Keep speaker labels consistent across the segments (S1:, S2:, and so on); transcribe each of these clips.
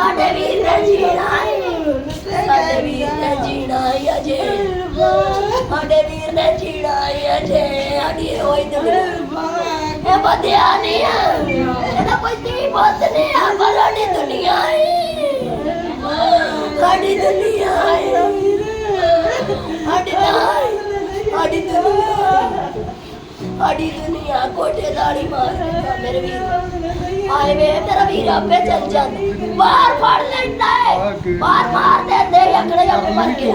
S1: ਸਾਡੇ ਵੀਰ ਨੇ ਜੀਣਾ ਸਾਡੇ ਵੀਰ ਨੇ ਜੀਣਾ ਅਜੇ ਸਾਡੇ ਵੀਰ ਨੇ ਜੀਣਾ ਅਜੇ ਸਾਡੀ ਹੋਈ ਦੁਨੀਆ ਇਹ ਵਧਿਆ ਨਹੀਂ ਇਹਦਾ ਕੋਈ ਤੀ ਬੋਤ ਨਹੀਂ ਆ ਪਰ ਸਾਡੀ ਦੁਨੀਆ ਸਾਡੀ ਦੁਨੀਆ ਸਾਡੀ ਦੁਨੀਆ ਕੋਟੇ ਦਾੜੀ ਮਾਰ ਮੇਰੇ ਵੀਰ ਆਏ ਵੇ ਤੇਰਾ ਵੀਰ ਆਪੇ ਚੱਲ ਜਾਂਦਾ ਬਾਹਰ ਫੜ ਲੈਂਦਾ ਹੈ ਬਾਹਰ ਮਾਰ ਦਿੰਦੇ ਅਕੜੇ ਜਾ ਕੇ ਮਰ ਗਿਆ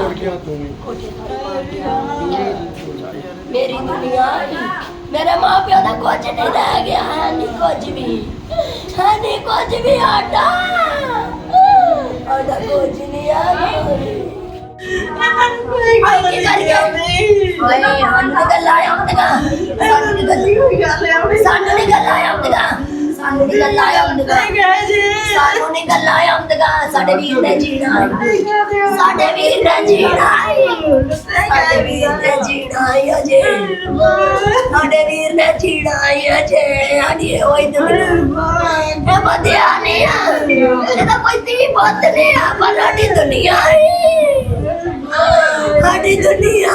S1: ਮੇਰੀ ਦੁਨੀਆ मेरे माँ प्यो का कुछ नहीं रह गया है नहीं कुछ भी आटा कुछ नहीं है ਸਾਡੇ ਵੀਰ ਨੇ ਜੀਣਾ ਸਾਡੇ ਵੀਰ ਨੇ ਜੀਣਾ ਸਾਡੇ ਵੀਰ ਨੇ ਜੀਣਾ ਅਜੇ ਸਾਡੇ ਵੀਰ ਨੇ ਜੀਣਾ ਅਜੇ ਸਾਡੀ ਹੋਈ ਦੁਨੀਆ ਇਹ ਵਧਿਆ ਨਹੀਂ ਇਹਦਾ ਕੋਈ ਤੀ ਬੋਤ ਨਹੀਂ ਆ ਪਰ ਸਾਡੀ ਦੁਨੀਆ ਸਾਡੀ ਦੁਨੀਆ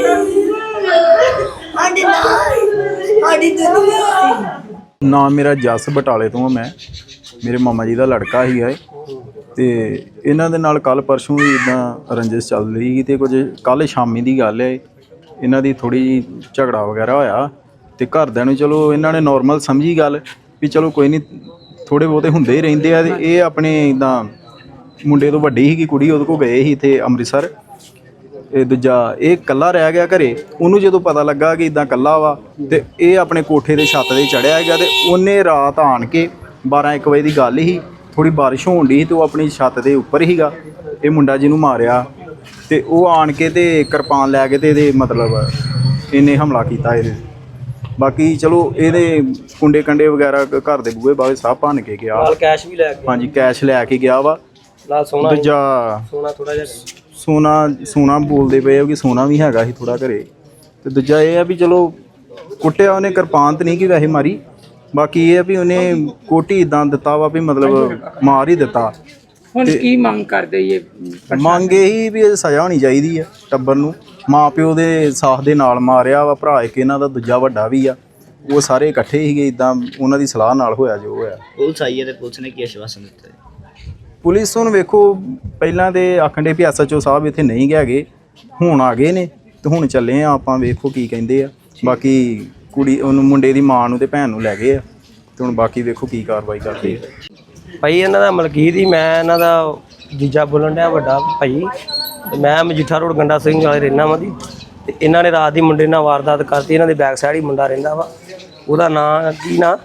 S1: ਸਾਡੀ ਦੁਨੀਆ
S2: ਨਾਮ ਮੇਰਾ ਜਸ ਬਟਾਲੇ ਤੋਂ ਮੈਂ ਮੇਰੇ ਮਾਮਾ ਜੀ ਦਾ ਲੜਕਾ ਹੀ ਹੈ ਤੇ ਇਹਨਾਂ ਦੇ ਨਾਲ ਕੱਲ ਪਰਸੋਂ ਵੀ ਇਦਾਂ ਰੰਜਿਸ਼ ਚੱਲ ਰਹੀ ਤੇ ਕੁਝ ਕੱਲ ਸ਼ਾਮੀ ਦੀ ਗੱਲ ਹੈ ਇਹਨਾਂ ਦੀ ਥੋੜੀ ਜਿਹੀ ਝਗੜਾ ਵਗੈਰਾ ਹੋਇਆ ਤੇ ਘਰਦਿਆਂ ਨੂੰ ਚਲੋ ਇਹਨਾਂ ਨੇ ਨਾਰਮਲ ਸਮਝੀ ਗੱਲ ਵੀ ਚਲੋ ਕੋਈ ਨਹੀਂ ਥੋੜੇ ਬਹੁਤੇ ਹੁੰਦੇ ਹੀ ਰਹਿੰਦੇ ਆ ਤੇ ਇਹ ਆਪਣੇ ਇਦਾਂ ਮੁੰਡੇ ਤੋਂ ਵੱਡੀ ਸੀਗੀ ਕੁੜੀ ਉਹਦੇ ਕੋਲ ਗਏ ਸੀ ਇੱਥੇ ਅੰਮ੍ਰਿਤਸਰ ਇਹ ਦੂਜਾ ਇਹ ਇਕੱਲਾ ਰਹਿ ਗਿਆ ਘਰੇ ਉਹਨੂੰ ਜਦੋਂ ਪਤਾ ਲੱਗਾ ਕਿ ਇਦਾਂ ਇਕੱਲਾ ਵਾ ਤੇ ਇਹ ਆਪਣੇ ਕੋਠੇ ਦੇ ਛੱਤ ਤੇ ਚੜਿਆ ਹੈਗਾ ਤੇ ਉਹਨੇ ਰਾਤ ਆਣ ਕੇ 12-1 ਵਜੇ ਦੀ ਗੱਲ ਸੀ ਥੋੜੀ ਬਾਰਿਸ਼ ਹੋਣ ਦੀ ਤੇ ਉਹ ਆਪਣੀ ਛੱਤ ਦੇ ਉੱਪਰ ਹੀਗਾ ਇਹ ਮੁੰਡਾ ਜਿਹਨੂੰ ਮਾਰਿਆ ਤੇ ਉਹ ਆਣ ਕੇ ਤੇ ਕਿਰਪਾਨ ਲੈ ਕੇ ਤੇ ਇਹਦੇ ਮਤਲਬ ਇਹਨੇ ਹਮਲਾ ਕੀਤਾ ਇਹਦੇ ਬਾਕੀ ਚਲੋ ਇਹਦੇ ਕੁੰਡੇ ਕੰਡੇ ਵਗੈਰਾ ਘਰ ਦੇ ਬੂਹੇ ਬਾਵੇ ਸਭ ਭੰਨ ਕੇ ਗਿਆ
S3: ਨਾਲ ਕੈਸ਼ ਵੀ ਲੈ ਕੇ
S2: ਹਾਂਜੀ ਕੈਸ਼ ਲੈ ਕੇ ਗਿਆ ਵਾ
S3: ਨਾਲ ਸੋਨਾ
S2: ਦੂਜਾ
S3: ਸੋਨਾ ਥੋੜਾ ਜਿਹਾ
S2: ਸੋਨਾ ਬੋਲਦੇ ਪਏ ਆ ਕਿ ਸੋਨਾ ਵੀ ਹੈਗਾ ਸੀ ਥੋੜਾ ਘਰੇ ਤੇ ਦੂਜਾ ਇਹ ਆ ਵੀ ਚਲੋ ਕੁੱਟਿਆ ਉਹਨੇ ਕਿਰਪਾਨ ਤੇ ਨਹੀਂ ਕਿ ਵੈਸੇ ਮਾਰੀ ਬਾਕੀ ਇਹ ਆ ਵੀ ਉਹਨੇ ਕੋਟੀ ਇਦਾਂ ਦਿੱਤਾ ਵਾ ਵੀ ਮਤਲਬ ਮਾਰ ਹੀ ਦਿੱਤਾ
S4: ਹੁਣ ਕੀ ਮੰਗ ਕਰਦੇ ਇਹ
S2: ਮੰਗ ਇਹੀ ਵੀ ਇਹ ਸਜ਼ਾ ਹੋਣੀ ਚਾਹੀਦੀ ਆ ਟੱਬਰ ਨੂੰ ਮਾਂ ਪਿਓ ਦੇ ਸਾਥ ਦੇ ਨਾਲ ਮਾਰਿਆ ਵਾ ਭਰਾ ਇੱਕ ਇਹਨਾਂ ਦਾ ਦੂਜਾ ਵੱਡਾ ਵੀ ਆ ਉਹ ਸਾਰੇ ਇਕੱਠੇ ਸੀਗੇ ਇਦਾਂ ਉਹਨਾਂ ਦੀ ਸਲਾਹ ਨਾਲ ਹੋਇਆ ਜੋ ਹੋਇਆ
S5: ਪੁਲਿਸ ਆਈ ਹੈ ਤੇ ਪੁਲਿਸ ਨੇ ਕੀ ਆਸ਼ਵਾਸਨ ਦਿੱਤਾ
S2: ਪੁਲਿਸ ਹੁਣ ਵੇਖੋ ਪਹਿਲਾਂ ਤੇ ਆਖਣ ਦੇ ਵੀ ਐਸਐਚਓ ਸਾਹਿਬ ਇੱਥੇ ਨਹੀਂ ਹੈਗੇ ਹੁਣ ਆ ਗਏ ਨੇ ਤੇ ਹੁਣ ਚੱਲੇ ਆ ਆਪਾਂ ਵੇਖੋ ਕੀ ਕਹਿੰਦੇ ਆ ਬਾਕੀ ਕੁੜੀ ਉਹਨੂੰ ਮੁੰਡੇ ਦੀ ਮਾਂ ਨੂੰ ਤੇ ਭੈਣ ਨੂੰ ਲੈ ਗਏ ਆ ਤੇ ਹੁਣ ਬਾਕੀ ਵੇਖੋ ਕੀ ਕਾਰਵਾਈ ਕਰਦੇ ਆ
S3: ਭਾਈ ਇਹਨਾਂ ਦਾ ਮਲਕੀਤ ਹੀ ਮੈਂ ਇਹਨਾਂ ਦਾ ਜੀਜਾ ਬੋਲਣ ਡਿਆ ਵੱਡਾ ਭਾਈ ਤੇ ਮੈਂ ਮਜੀਠਾ ਰੋਡ ਗੰਡਾ ਸਿੰਘ ਵਾਲੇ ਰਹਿਣਾ ਵਾਂ ਦੀ ਤੇ ਇਹਨਾਂ ਨੇ ਰਾਤ ਦੀ ਮੁੰਡੇ ਨਾਲ ਵਾਰਦਾਤ ਕਰਤੀ ਇਹਨਾਂ ਦੇ ਬੈਕ ਸਾਈਡ ਹੀ ਮੁੰਡਾ ਰਹਿੰਦਾ ਵਾ ਉਹਦਾ ਨਾਂ ਕੀ ਨਾਂ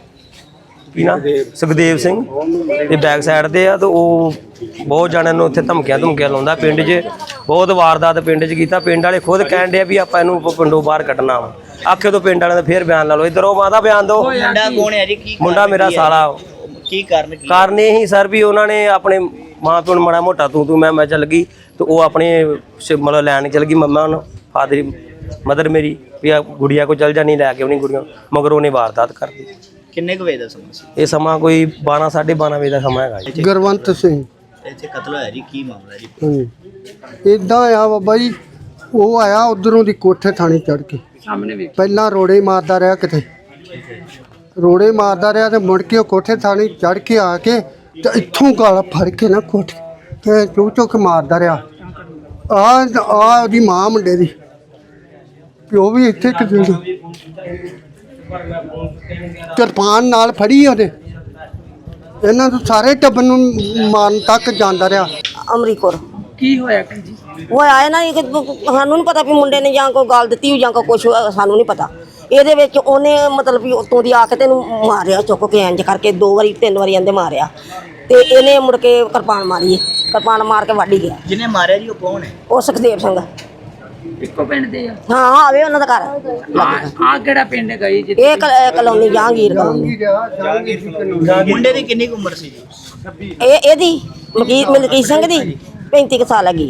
S3: ਸੁਖਦੇਵ ਸਿੰਘ ਤੇ ਬੈਕ ਸਾਈਡ ਤੇ ਆ ਤੇ ਉਹ ਬਹੁਤ ਜਣਿਆਂ ਨੂੰ ਉੱਥੇ ਧਮਕੀਆਂ ਲਾਉਂਦਾ ਪਿੰਡ 'ਚ ਬਹੁਤ ਵਾਰਦਾਤ ਪਿੰਡ 'ਚ ਕੀਤਾ ਪਿੰਡ ਵਾਲੇ ਖੁਦ ਕਹਿਣ ਡਿਆ ਵੀ ਆਪਾਂ ਇਹਨੂੰ ਪਿੰਡੋਂ ਬਾਹਰ ਕੱਢਣਾ ਵਾ ਆਖੇ ਤੋਂ ਪਿੰਡ ਵਾਲਿਆਂ ਦਾ ਫੇਰ ਬਿਆਨ ਲਾ ਲਓ ਇੱਧਰ ਉਹ ਮਾਤਾ ਬਿਆਨ ਦਿਓ
S5: ਮੁੰਡਾ ਕੌਣ ਹੈ ਜੀ ਕੀ
S3: ਮੁੰਡਾ ਮੇਰਾ ਸਾਲਾ
S5: ਕੀ ਕਾਰਨ
S3: ਇਹੀ ਸਰ ਵੀ ਉਹਨਾਂ ਨੇ ਆਪਣੇ ਮਾਂ ਪਿਓ ਨੂੰ ਮਾੜਾ ਮੋਟਾ ਤੂੰ ਮੈਂ ਚੱਲ ਗਈ ਤੇ ਉਹ ਆਪਣੇ ਮਤਲਬ ਲੈਣ ਚੱਲ ਗਈ ਮੰਮਾ ਨੂੰ ਫਾਦਰ ਮਦਰ ਮੇਰੀ ਵੀ ਆ ਗੁੜੀਆ ਕੋ ਚੱਲ ਜਾਣੀ ਲੈ ਕੇ ਉਹਨੀ ਗੁੜੀਆਂ ਮਗਰ ਉਹਨੇ ਵਾਰਦਾਤ ਕਰਦੀ
S5: ਕਿੰਨੇ ਕੁ ਵਜੇ ਦਾ ਸਮਾਂ ਸੀ
S3: ਇਹ ਸਮਾਂ ਕੋਈ 12-12:30 ਵਜੇ ਦਾ ਸਮਾਂ ਹੈਗਾ ਜੀ
S6: ਗੁਰਵੰਤ ਸਿੰਘ
S5: ਇੱਥੇ ਕਤਲ ਹੋਇਆ ਜੀ ਕੀ ਮਾਮਲਾ ਜੀ
S6: ਇਦਾਂ ਆ ਬਾਬਾ ਜੀ ਉਹ ਆਇਆ ਉਧਰੋਂ ਦੀ ਕੋਠੇ ਥਾਣੀ ਚੜ ਕੇ
S4: ਸਾਹਮਣੇ ਵੇਖ
S6: ਪਹਿਲਾਂ ਰੋੜੇ ਮਾਰਦਾ ਰਿਹਾ ਕਿਤੇ ਰੋੜੇ ਮਾਰਦਾ ਰਿਹਾ ਤੇ ਮੁੜ ਕੇ ਉਹ ਕੋਠੇ ਥਾਣੀ ਚੜ ਕੇ ਆ ਕੇ ਤੇ ਇੱਥੋਂ ਗਾਲ ਫੜ ਕੇ ਨਾ ਕੋਠੇ ਤੇ ਚੁੱਕ ਮਾਰਦਾ ਰਿਹਾ ਆ ਉਹਦੀ ਮਾਂ ਮੁੰਡੇ ਦੀ ਪਿਓ ਵੀ ਇੱਥੇ ਕਿਤੇ ਕਿਰਪਾਨ ਨਾਲ ਫੜੀ ਉਹਨੇ ਇਹਨਾਂ ਨੂੰ ਸਾਰੇ ਟੱਬਰ ਨੂੰ ਮਾਰਨ ਤੱਕ ਜਾਂਦਾ ਰਿਹਾ
S1: ਅਮਰੀਕੋਰ
S4: ਕੀ ਹੋਇਆ ਭੈਣ ਜੀ
S1: ਉਹ ਆਏ ਨਾ ਸਾਨੂੰ ਨਹੀਂ ਪਤਾ ਵੀ ਮੁੰਡੇ ਨੇ ਜਾਂ ਕੋਈ ਗੱਲ ਦਿੱਤੀ ਜਾਂ ਕੋਈ ਕੁਛ ਸਾਨੂੰ ਨਹੀਂ ਪਤਾ ਇਹਦੇ ਵਿੱਚ ਉਹਨੇ ਮਤਲਬ ਵੀ ਉੱਤੋਂ ਦੀ ਆ ਕੇ ਤੈਨੂੰ ਮਾਰਿਆ ਚੁੱਕ ਕੇ ਇੰਜ ਕਰਕੇ 2 ਵਾਰੀ 3 ਵਾਰੀ ਇਹਦੇ ਮਾਰਿਆ ਤੇ ਇਹਨੇ ਮੁੜ ਕੇ ਕਿਰਪਾਨ ਮਾਰੀ ਕਿਰਪਾਨ ਮਾਰ ਕੇ ਵੱਢ ਗਿਆ
S5: ਜਿਹਨੇ ਮਾਰਿਆ ਜੀ ਉਹ ਕੌਣ ਹੈ
S1: ਉਹ ਸੁਖਦੇਵ ਸਿੰਘ
S4: ਇੱਕੋ ਪਿੰਡ ਦੇ ਆ
S1: ਹਾਂ ਆਵੇ ਉਹਨਾਂ ਦਾ ਘਰ
S4: ਆ ਕਿਹੜਾ ਪਿੰਡ ਗਈ ਜੀ
S1: ਇਹ ਕਲੋਨੀ ਜਹਾਂਗੀਰ ਕਲੋਨੀ
S5: ਮੁੰਡੇ ਦੀ ਕਿੰਨੀ ਕੁ ਉਮਰ ਸੀ ਜੀ
S1: ਇਹਦੀ ਮਲਕੀਤ ਸਿੰਘ ਦੀ 35 ਸਾਲ ਹੈਗੀ